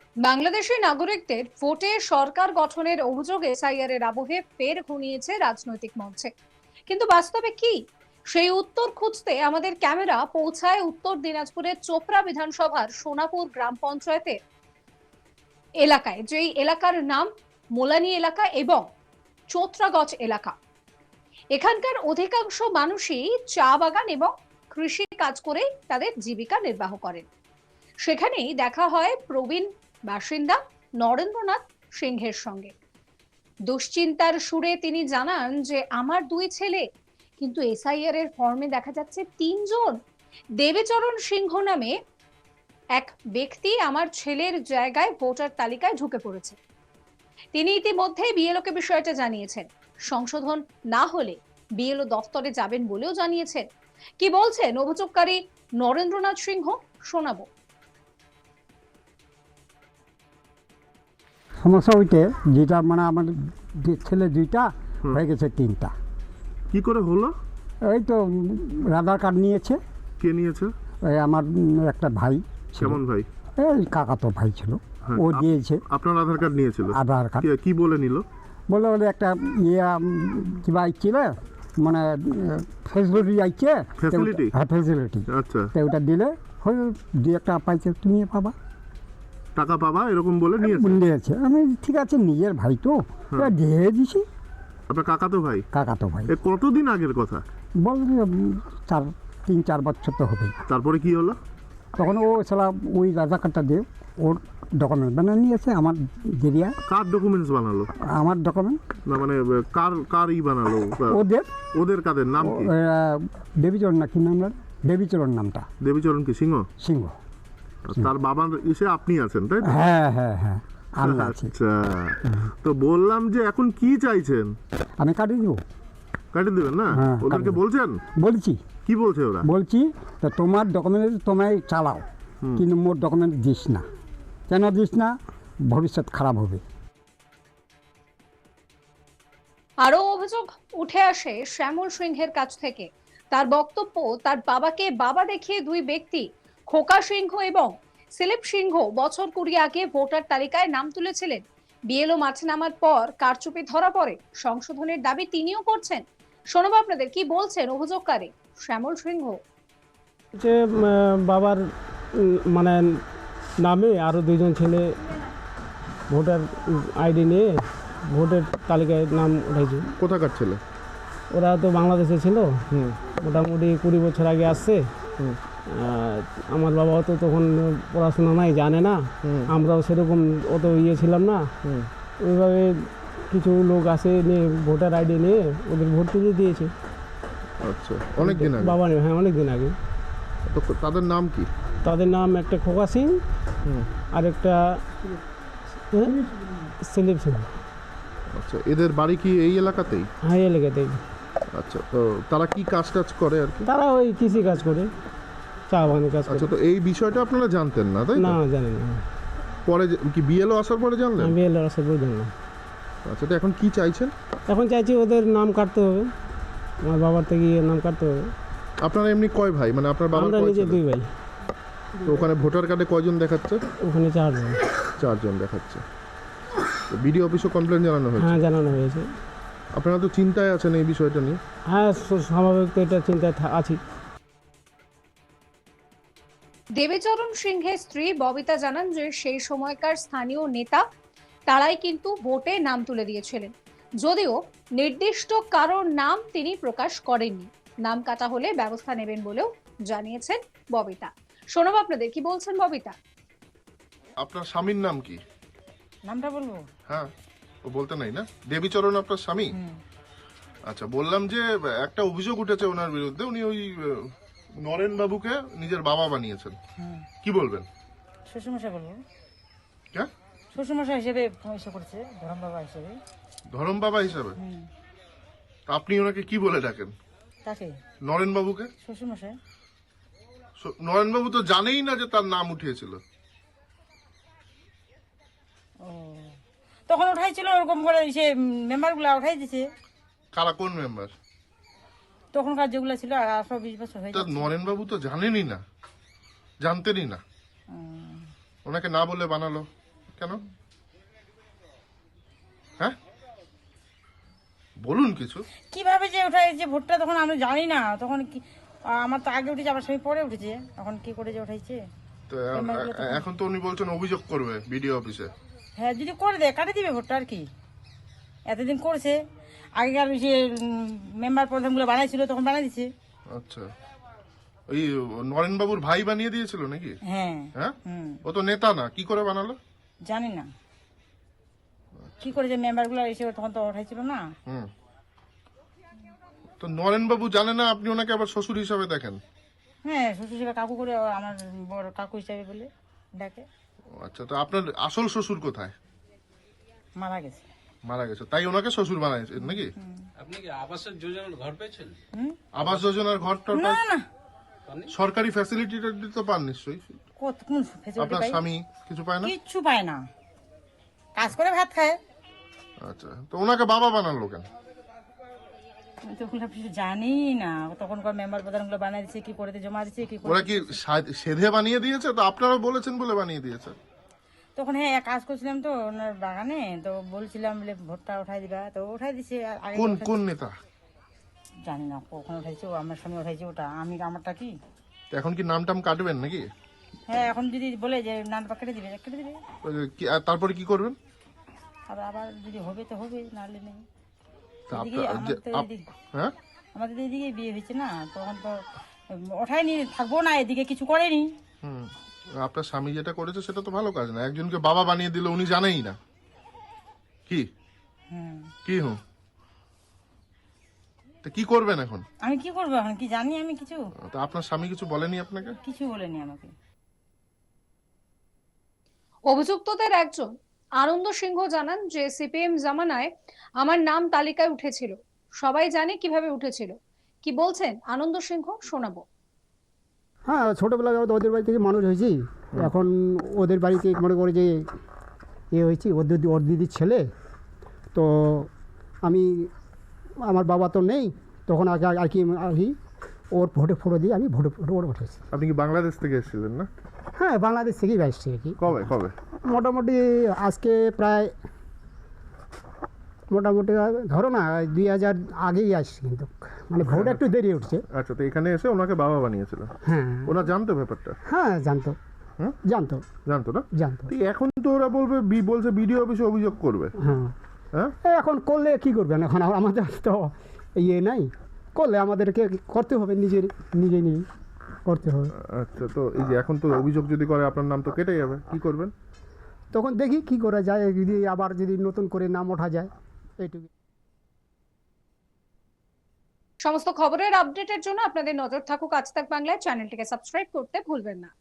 বাংলাদেশি নাগরিকদের ভোটে সরকার গঠনের অভিযোগে এসআইআর এর আবহে ফের ঘনিয়েছে রাজনৈতিক মঞ্চে। কিন্তু বাস্তবে কি, সেই উত্তর খুঁজতে আমাদের ক্যামেরা পৌঁছায় উত্তর দিনাজপুরের চোপড়া বিধানসভার সোনাপুর গ্রাম পঞ্চায়েতের এলাকায়, যেই এলাকার নাম মোলানি এলাকা এবং চোত্রাগজ এলাকা। এখানকার অধিকাংশ মানুষই চা বাগান এবং কৃষি কাজ করে তাদের জীবিকা নির্বাহ করেন। সেখানেই দেখা হয় প্রবীণ বাসিন্দা নরেন্দ্রনাথ সিংহের সঙ্গে। দুশ্চিন্তার সুরে তিনি জানান যে আমার দুই ছেলে, কিন্তু এসআইআর এর ফর্মে দেখা যাচ্ছে তিনজন। দেবীচরণ সিংহ নামে এক ব্যক্তি আমার ছেলের জায়গায় ভোটার তালিকায় ঢুকে পড়েছে। তিনি ইতিমধ্যে বিএলওকে বিষয়টা জানিয়েছেন। সংশোধন না হলে বিএলও দফতরে যাবেন বলেও জানিয়েছেন। কি বলছেন অভিযোগকারী নরেন্দ্রনাথ সিংহ, শোনাবো। সমস্যা ওইটা যেটা মানে আমার ছেলে দুইটা হয়ে গেছে তিনটা। কি করে হলো? এই তো আধার কার্ড নিয়েছে। কে নিয়েছে? এই আমার একটা ভাই ছিল। কেমন ভাই? এই কাকাতো ভাই ছিল, হ্যাঁ, ও দিয়েছে। আপনার আধার কার্ড নিয়েছিল? আধার কার্ড কি বলে নিল? বলে বলে একটা ইয়ে কিবা আইছিল, মানে ফেসিলিটি আইছে। ফ্যাসিলিটি? হ্যাঁ, ফেসিলিটি। আচ্ছা, তো ওটা দিলে হয় দুই একটা পাইছে, তুমি পাবা, টাকা পাবা, এরকম বলে নিয়েছে। আমি ঠিক আছে, নিজের ভাই তো দিয়ে দিছি। আপনার কাকাতো ভাই? কাকাতো ভাই। এ কতদিন আগের কথা? বল 3-4 বছর তো হবে। তারপরে কি হলো? তখন ও সালা ওই আধার কার্ডটা দিয়ে ওর ডকুমেন্ট বানিয়ে নিয়েছে আমার জেরিয়া। কার ডকুমেন্টস বানালো? আমার ডকুমেন্ট না মানে কার বানালো? ওদের। ওদের কাদের নাম কি? দেবীচরণ না কি নাম? দেবীচরণ নামটা। দেবীচরণ কি সিংহ? সিংহ। তার বাবার ইসে আপনি আছেন, তাই তো? হ্যাঁ হ্যাঁ হ্যাঁ, আমি আছি। আচ্ছা, তো বললাম যে এখন কি চাইছেন? আমি কাটিয়ে দিব। কাটিয়ে দেবেন না? হ্যাঁ, ওদেরকে বলছেন? বলছি। কি বলছে ওরা? বলছি তো তোমার ডকুমেন্ট তোমায় চালাও, কিন্তু মোর ডকুমেন্ট দিস না। কেন দিস না? ভবিষ্যৎ খারাপ হবে। আরো অভিযোগ উঠে আসে শ্যামল সিংহের কাছ থেকে। তার বক্তব্য, তার বাবাকে বাবা দেখিয়ে দুই ব্যক্তি, খোকা সিংহ এবং সেলিপ সিংহ, বছর 20 আগে ভোটার তালিকায় নাম তুলেছিলেন। বিএলও মাঠে নামার পর কারচুপি ধরা পড়ে। সংশোধনের দাবি তিনিও করছেন। শোনাবো আপনাদের কি বলছেন অভিযোগকারী শ্যামল সিংহ। যে বাবার মানে নামে আরও দুইজন ছেলে ভোটার আইডি নিয়ে ভোটের তালিকায় নাম উঠেছে। কোথাকার ছেলে? ওরা তো বাংলাদেশে ছিল, মোটামুটি 20 বছর আগে আসছে। আমার বাবাও তো তখন পড়াশোনা নাই, জানে না। আমরাও সেরকম অত ইয়ে ছিলাম না। ওইভাবে কিছু লোক আসে নিয়ে ভোটার আইডি নিয়ে ওদের ভোট তুলে দিয়েছে। আচ্ছা, অনেক দিন আগে? বাবা, হ্যাঁ, অনেক দিন আগে। তো তাদের নাম কি? তাদের নাম একটা খোকা সিং আর একটা সেলিম সিং। আচ্ছা, এদের বাড়ি কি এই এলাকাতেই? হ্যাঁ, এই এলাকাতেই। আচ্ছা, তো তারা কি কাজ করে আর কি? তারা ওই কৃষি কাজ করে, চা বাগানের কাজ করে। আচ্ছা, তো এই বিষয়টা আপনারা জানতেন না, তাই না, না? জানি না। পরে কি বিএলও আসার পরে জানলেন? আমি এলাকার আসার পর জানলাম। আচ্ছা, তো এখন কি চাইছেন? এখন চাইছি ওদের নাম কাটতে হবে, আমার বাবার থেকে নাম কাটতে হবে। আপনারা এমনি কয় ভাই, মানে আপনার বাবার আমরা কয় নিজে ছেলে? 2 ভাই। তো ওখানে ভোটার কার্ডে কয়জন দেখাচ্ছে? ওখানে 4 জন। 4 জন দেখাচ্ছে। তো বিডিও অফিসে কমপ্লেন জানানো হয়েছে? হ্যাঁ, জানানো হয়েছে। আপনারা তো চিন্তায় আছেন এই বিষয়টা নিয়ে? হ্যাঁ, স্বাভাবিক তো, এটা চিন্তায় আছি। দেবীচরণ সিংহের স্ত্রী ববিতা জানান যে সেই সময়কার স্থানীয় নেতা তারাই কিন্তু ভোটে নাম তুলে দিয়েছিলেন, যদিও নির্দিষ্ট কারোর নাম তিনি প্রকাশ করেননি। নাম কাটা হলে ব্যবস্থা নেবেন বলেও জানিয়েছেন ববিতা। শোনাবো আপনাদের কি বলছেন ববিতা। আপনার স্বামীর নাম কি? নামটা বলবো? হ্যাঁ, ও বলতে নাই না? দেবীচরণ আপনার স্বামী? আচ্ছা, বললাম যে একটা অভিযোগ উঠেছে ওনার বিরুদ্ধে, উনি ওই নরেন বাবুকে নিজের বাবা বানিয়েছেন। কি বলবেন? শ্বশুরমশাই বলবো। কে? শ্বশুরমশাই হিসেবে এসে করছে, ধরম বাবা হিসেবে। ধরম বাবা হিসাবে? তা আপনি ওনাকে কি বলে ডাকেন? তাকে নরেন বাবুকে? শ্বশুরমশাই। নরেন বাবু তো জানেই না যে তার নাম উঠিয়েছিল। ও, তখন উঠাইছিল ওরকম করে, সে মেম্বার গুলা উঠাই দিছে। কারা, কোন মেম্বার? তখনকার যেগুলো ছিল 18-20 বছর হয়ে তা গেছে। নরেন বাবু তো জানেনই না, জানতেনই না, ওনাকে না বলে বানালো কেন? হ্যাঁ, বলুন কিছু। কিভাবে যে ওঠাই যে ভোটটা তখন আমরা জানি না, তখন কি আমার তো আগে উঠেছে, আবার স্বামী পরে উঠেছে, এখন কি করে যে উঠাইছে। তো এখন তো উনি বলছেন অভিযোগ করবে বিডিও অফিসে। হ্যাঁ, যদি করে দেয় কাটে দিবে ভোটটা, আর কি। এতদিন করছে, আগেকার যে মেম্বার প্রধানগুলো বানাইছিল তখন বানাই দিছে। আচ্ছা, ওই নরেন বাবুর ভাই বানিয়ে দিয়েছিল নাকি? হ্যাঁ। হ্যাঁ, হুম। ও তো নেতা না, কি করে বানালো? জানি না কি করে যে মেম্বারগুলো এসে তখন তো উঠাইছিল না। হুম, তো নরেন বাবু জানে না আপনি ওনাকে আবার শ্বশুর হিসাবে দেখেন? হ্যাঁ, শ্বশুর হিসেবে কাকু করে, আমার বড় কাকু হিসাবে বলে ডাকে। আচ্ছা, তো আপনার আসল শ্বশুর কোথায়? মারা গেছে। মারা গেছে, তাই ওনাকে শ্বশুর বানাইছেন নাকি? আপনি কি আবাসের যোজনার ঘর পেয়েছেন? আবাস যোজনার ঘরটা না না, সরকারি ফ্যাসিলিটিটা তো পান নিশ্চয়ই। কোন ফেসিলিটি আপনার পাই? স্বামী কিছু পায় না? কিচ্ছু পায় না, কাজ করে ভাত খায়। আচ্ছা, তো ওনাকে বাবা বানালো কেন? আমি তো ওগুলো কিছু জানি না, তখনকার মেম্বার প্রধানগুলো বানাই দিচ্ছে, কি করে জমা দিচ্ছে, কি করে। ওরা কি সেধে বানিয়ে দিয়েছে? তো আপনারা বলেছেন বলে বানিয়ে দিয়েছে। তখন হ্যাঁ কাজ করছিলাম তো ওনার বাগানে, তো বলছিলাম বলে ভোটটা উঠাই দিবা, তো উঠাই দিছে। আর আগে কোন উঠাই- কোন নেতা? জানি না কখন উঠাইছে, ও আমার স্বামী উঠাইছে ওটা, আমি আমারটা কি। তো এখন কি নাম টাম কাটবেন নাকি? হ্যাঁ, এখন যদি বলে যে নান পা কেটে দিবে, কেটে দিবে। ওই যে আর তারপরে কি করবেন? আর আবার যদি হবে তো হবে, নাহলে নেই। তা এদিকে আমাদের তো এদিকে- হ্যাঁ, আমাদের তো এদিকে বিয়ে হয়েছে না, তখন তো ওঠাইনি, থাকবো না, এদিকে কিছু করেনি। হুম, আপনার স্বামী যেটা করেছে সেটা তো ভালো কাজ না। একজনকে বাবা বানিয়ে দিল, উনি জানেই না। কি হুম। কি হুম, তো কি করবেন এখন? আমি কি করবো এখন, কি জানি আমি কিছু? তো আপনার স্বামী কিছু বলেনি আপনাকে? কিছু বলেনি আমাকে। অভিযুক্তদের একজন আনন্দ সিংহ জানান যে সিপিএম জামানায় আমার নাম তালিকায় উঠেছিল, সবাই জানে কিভাবে উঠেছিল। কি বলছেন আনন্দ সিংহ, শোনাবো। হ্যাঁ, ছোটোবেলায় ওদের বাড়ি থেকে মানুষ হয়েছি। এখন ওদের বাড়িতে মনে করে যে হয়েছি, ওর দিদির ছেলে। তো আমি, আমার বাবা তো নেই তখন, আগে আর কি ওর ফটো দিয়ে আমি ভোটে উঠেছি। আপনি কি বাংলাদেশ থেকে এসেছিলেন না? হ্যাঁ, বাংলাদেশ থেকেই আসছি আর কি। কবে কবে? মোটামুটি আজকে প্রায় মোটামুটি ধরো না 2000 আগেই আসছি, কিন্তু মানে ভোট একটু দেরি উঠছে। আচ্ছা, তো এখানে এসে ওনাকে বাবা বানিয়েছিল? হ্যাঁ ওরা জানতো ব্যাপারটা? হ্যাঁ, জানতো হুম? জানতো জানতো না? জানতো। তো এখন তো ওরা বলছে বিডিও অফিসে অভিযোগ করবে। হ্যাঁ, হ্যাঁ, এখন করলে কি করবেন? এখন আমাদের তো নাই, করলে আমাদেরকে করতে হবে, নিজেই করতে হবে। আচ্ছা, তো এই যে এখন তো অভিযোগ যদি করে আপনার নাম তো কেটে যাবে, কি করবেন? তখন দেখি কি করা যায়, যদি নতুন করে নাম ওঠা যায়, এইটুকু। সমস্ত খবরের আপডেটের জন্য আপনাদের নজর থাকুক আজ তাক বাংলায়, চ্যানেলটিকে সাবস্ক্রাইব করতে ভুলবেন না।